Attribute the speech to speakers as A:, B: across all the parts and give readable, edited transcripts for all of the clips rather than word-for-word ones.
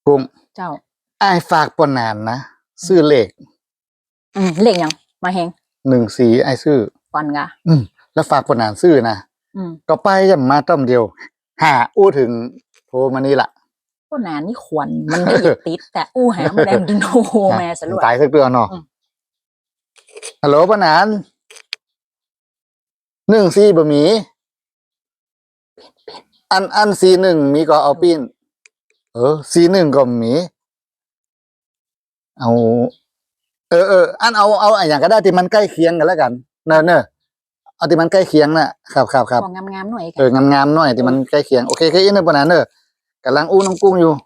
A: กุ้ง
B: เจ้า
A: ไอ้ฝากปนนานนะซื้อเลข
B: เลขยังมาเฮง
A: 14ไอ้ซื้อ
B: ฟันกะ
A: แล้วฝากปนนานซื้อนะก็ไปย่ำมาต้มเดียวอู้ถึงโทรมานี่ล่ะ
B: ก็นานนี่ขวัญมันได้ติดแต่อู้หามาแดงดึงโทรมาสรุป
A: ตายสักเดือนเนาะฮัลโหลปนนาน14บะหมี่อัน41มีก็เอาปิ้น41ก็มีเอาอันเอาอย่างก็ได้ที่มันใกล้เคียงกันแล้วกันเนอะเอาที่มันใกล้เคียงน่ะครับ
B: งามๆหน่อย
A: งามๆหน่อยที่มันใกล้เคียงโอเคอีกนึงปนนั้นกำลังอู้น้องกุ้งอยู่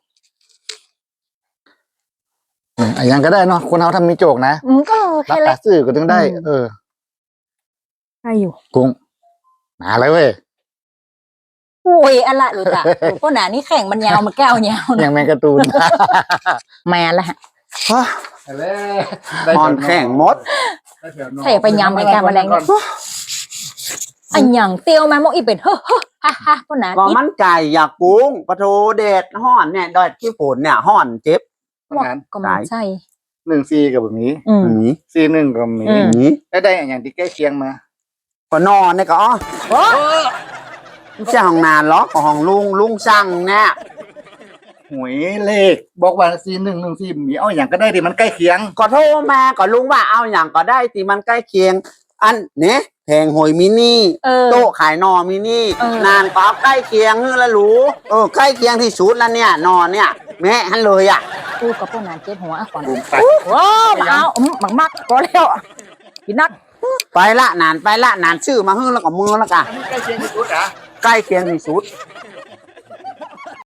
A: อย่างก็ได้เนาะคนเอาทำมีโจกนะ
B: ก็
A: รับตาซื่อก็ถึงได้
B: ได้อยู่
A: กุ้งมาเลยเว้ย
B: โอ้ยอะไรหรือจ้ะก็หนานี่แข่งมันยาวมันแก้วยาว
A: อย่างแมงการ์ตูน
B: แมนละฮะ
C: มอนแข่งมด
B: ใส่ไปยำไปแก้มแมลงอันอย่างเตียวมาโมอีเป็นฮ่าก็หนา
C: ก็มันไก่อยากกุ้งปะโถเด็ดห่อนเนี่ยดอยที่ฝนเนี่ยห่อนเจ็บ
B: ก็มันใช่
A: 14กับแบบนี้41ก็มีได้อย่างที่ใกล้เคียงมา
C: ก็นอนเนี่ยก็ไม่ใช่ห้องนานหรอกห้องลุงช่างเนี่ย
A: หวยเลขบอกว่า4114มีเอาอย่างก็ได้ที่มันใกล้เคียง
C: ก็โทรมาก็ลุงว่าเอาอย่างก็ได้ที่มันใกล้เคียงอันเนี่ยแพงหอยมินี่โต๊ะขายนอมินี่นานก็ใกล้เคียงแล้วรู้ใกล้เคียงที่สุดแล้วเนี่ยนอนเนี่ยแม่ฮันเลยอ่ะ
B: กูกับพวกนานเจ็บหัวขวัญว้าวเอามักก็แล้วกินนัก
C: ไปละนานชื่อมาฮึ่งแล้วก็มือแล้วกัน
A: ใกล้เคียงที่สุดอ่ะ
C: ใกล้เคียงที่สุด